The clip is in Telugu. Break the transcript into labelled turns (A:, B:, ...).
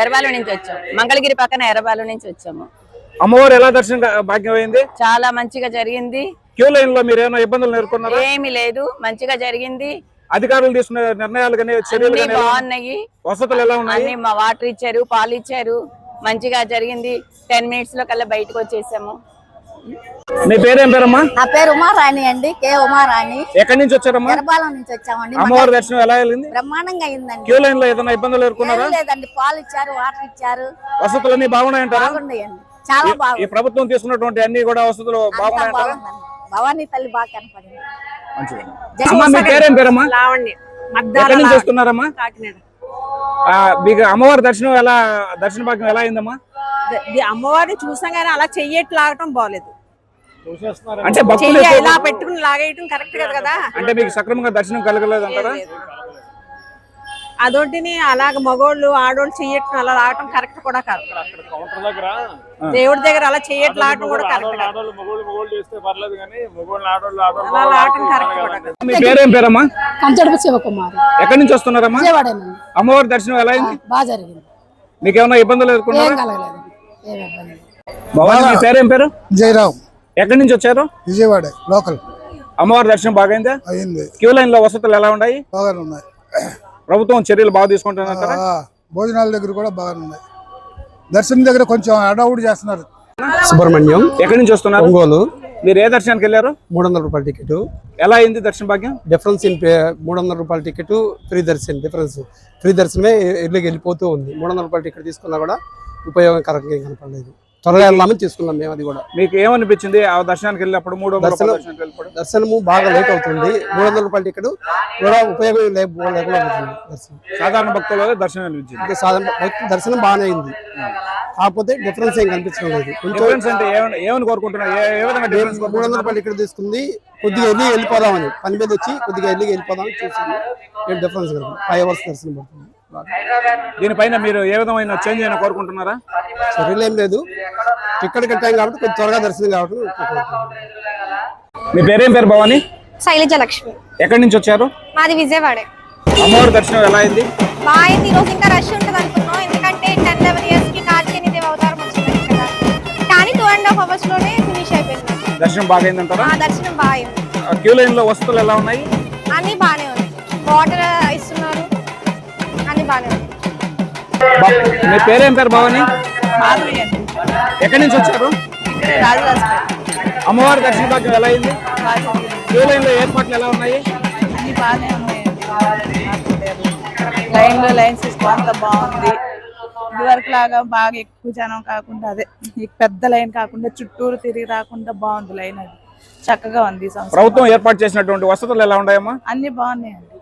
A: ఎర్రబాలు నుంచి వచ్చాం, మంగళగిరి పక్కన ఎర్రబాలు నుంచి వచ్చాము.
B: అమ్మవారు ఎలా దర్శనం భాగ్యం అయింది?
A: చాలా మంచిగా జరిగింది.
B: క్యూ లైన్ లో మీరు ఏమైనా ఇబ్బందులు ఎదుర్కొన్నారా?
A: ఏమీ లేదు, మంచిగా జరిగింది.
B: అధికారులు తీసుకున్న నిర్ణయాలు కానీ చర్యలు కానీ
A: బాగున్నాయి.
B: వసతులు ఎలా ఉన్నాయి?
A: అన్ని మా వాటర్ ఇచ్చారు, పాలు ఇచ్చారు, మంచిగా జరిగింది. 10 minutes లో కల్లా బయటకు వచ్చేసాము.
B: మీ పేరేం పేరమ్మా?
C: నా పేరు ఉమారాణి అండి, కే ఉమారాణి.
B: ఎక్కడి నుంచి వచ్చారమ్మా?
C: ఎర్రబాలం నుంచి వచ్చామండి.
B: అమ్మవారి దర్శనం ఎలా అయింది?
C: బ్రహ్మాండంగా అయిందండి.
B: క్యూ లైన్ లో ఏదైనా ఇబ్బందులు ఎదుర్కొన్నారా?
C: లేదండి, పాలు ఇచ్చారు, వాటర్ ఇచ్చారు.
B: వసతులు అన్ని బాగున్నాయంటారా?
C: బాగున్నాయండి, చాలా బాగుంది.
B: ఈ ప్రభుత్వం తీసుకున్నటువంటి అన్ని కూడా వసతులు బాగున్నాయంటారా?
C: భవానీ తల్లి బాగా కనపడింది.
B: అమ్మా మీ పేరేం పేరమ్మా?
D: లావణ్య.
B: ఎక్కడి నుంచి వస్తున్నారమ్మా? మీకు అమ్మవారి దర్శనం ఎలా, దర్శన భాగ్యం ఎలా అయిందమ్మా?
D: అమ్మవారిని చూసాం కానీ అలా చెయ్యట్లు లాగటం బాగలేదు.
B: అంటే భక్తులు
D: ఇలా పెట్టుకుని లాగేయటం కరెక్ట్ కదా.
B: అంటే మీకు సక్రమంగా దర్శనం కలగలేదు అంటారా?
D: అదొంటిని అలాగ మగోళ్ళు ఆడోళ్ళు చెయ్యటం అలా లాగటం కరెక్ట్ కూడా కాదు. దేవుడి దగ్గర అలా చెయ్యట్లు లాగటం కూడా కరెక్ట్ కాదు. అలా లాగటం కరెక్ట్ కూడా కాదు.
B: మీ పేరేం పేరమ్మా?
E: కంచడపు శివకుమారి.
B: ఎక్కడి నుంచి వస్తున్నారమ్మా?
E: విజయవాడేనండి.
B: అమ్మవారి దర్శనం ఎలా అయింది?
E: బాగా జరిగింది.
B: మీకు ఏమైనా ఇబ్బందులు ఎదుర్కొన్నారా?
E: ఏం కలగలేదు, ఏం ఇబ్బంది లేదు.
B: భవాని మీ పేరేం పేరు?
F: జయరామ్.
B: ఎక్కడి నుంచి వచ్చారు?
F: విజయవాడ లోకల్.
B: అమ్మవారి దర్శనం బాగా అయిందా?
F: అయింది.
B: క్యూ లైన్ లో వసతులు ఎలా ఉన్నాయి?
F: బాగానే ఉన్నాయి.
B: ప్రభుత్వం చర్యలు బాగా తీసుకుంటున్నారా?
F: భోజనాల దగ్గర కూడా బాగానే ఉన్నాయి. దర్శనం దగ్గర కొంచెం అడవుడు చేస్తున్నారు.
G: సుబ్రహ్మణ్యం.
B: ఎక్కడి నుంచి వస్తున్నారు?
G: ఒంగోలు.
B: మీరు ఏ దర్శనానికి వెళ్ళారు?
G: 300 రూపాయల టికెట్.
B: ఎలా అయింది దర్శన భాగ్యం?
G: డిఫరెన్స్ ఇన్ 300 రూపాయల టికెట్, ఫ్రీ దర్శనం. డిఫరెన్స్ ఫ్రీ దర్శనమే ఇళ్ళకి వెళ్ళిపోతూ ఉంది. 300 రూపాయల టికెట్ తీసుకున్నా కూడా ఉపయోగకరంగా ఏం కనపడలేదు. త్వరగా వెళ్ళామని తీసుకున్నాం మేము. అది కూడా మీకు
B: ఏమనిపించింది ఆ దర్శనానికి వెళ్ళినప్పుడు?
G: దర్శనము బాగా లేట్ అవుతుంది. 300 రూపాయల టికెట్ కూడా ఉపయోగం లేకుండా దర్శనం.
B: సాధారణ భక్తులు దర్శనం అనిపించింది.
G: దర్శనం బాగానే అయింది, కాకపోతే డిఫరెన్స్ ఏం కనిపించడం లేదు.
B: అంటే ఏమని కోరుకుంటున్నారు?
G: 300 రూపాయల టికెట్ తీసుకుంది, కొద్దిగా వెళ్ళిపోదామని, పని మీద వచ్చి కొద్దిగా వెళ్ళిపోదామని చూసింది. ఏం డిఫరెన్స్ కదా, 5 hours దర్శనం పడుతుంది.
B: దీనిపైన మీరు ఏ విధమైన చేంజ్ అయినా కోరుకుంటున్నారా?
G: చర్యలు ఏం లేదు, టికెట్ కట్టాం కాబట్టి కొంచెం త్వరగా దర్శనం కాబట్టి.
B: మీ పేరేం పేరు? భవాని.
H: శైలజ లక్ష్మి.
B: ఎక్కడి నుంచి వచ్చారు?
H: మాది విజయవాడే.
B: అమ్మవారి దర్శనం ఎలా అయింది?
H: బాగా అయింది. ఈ రోజు ఇంకా రష్ ఉంటుంది అనుకున్నాం, ఎందుకంటే 10-11 years కి కార్తీక దేవి అవతారం వచ్చింది కదా. కానీ 2.5 hours లోనే ఫినిష్ అయిపోయింది.
B: దర్శనం బాగా అయిందంటారా?
H: దర్శనం బాగా అయింది.
B: క్యూ లైన్ లో వసతులు ఎలా ఉన్నాయి?
H: అన్ని బాగానే ఉన్నాయి, వాటర్ ఇస్తున్నారు, అన్ని బాగానే ఉన్నాయి.
B: మీ పేరేం పేరు? భవాని. ఎక్కడి నుంచి వచ్చారు? అమ్మవారి దర్శన భాగ్యం ఎలా అయింది? క్యూ లైన్ లో ఏర్పాట్లు ఎలా ఉన్నాయి?
I: అన్ని బాగానే ఉన్నాయండి. లైన్ సిస్టమ్ అంతా బాగుంది. ఇదివరకు లాగా బాగా ఎక్కువ జనం కాకుండా, అదే పెద్ద లైన్ కాకుండా చుట్టూరు తిరిగి రాకుండా బాగుంది లైన్. అది చక్కగా ఉంది.
B: ప్రభుత్వం ఏర్పాటు చేసినటువంటి వసతులు ఎలా ఉన్నాయమ్మా?
I: అన్ని బాగున్నాయండి.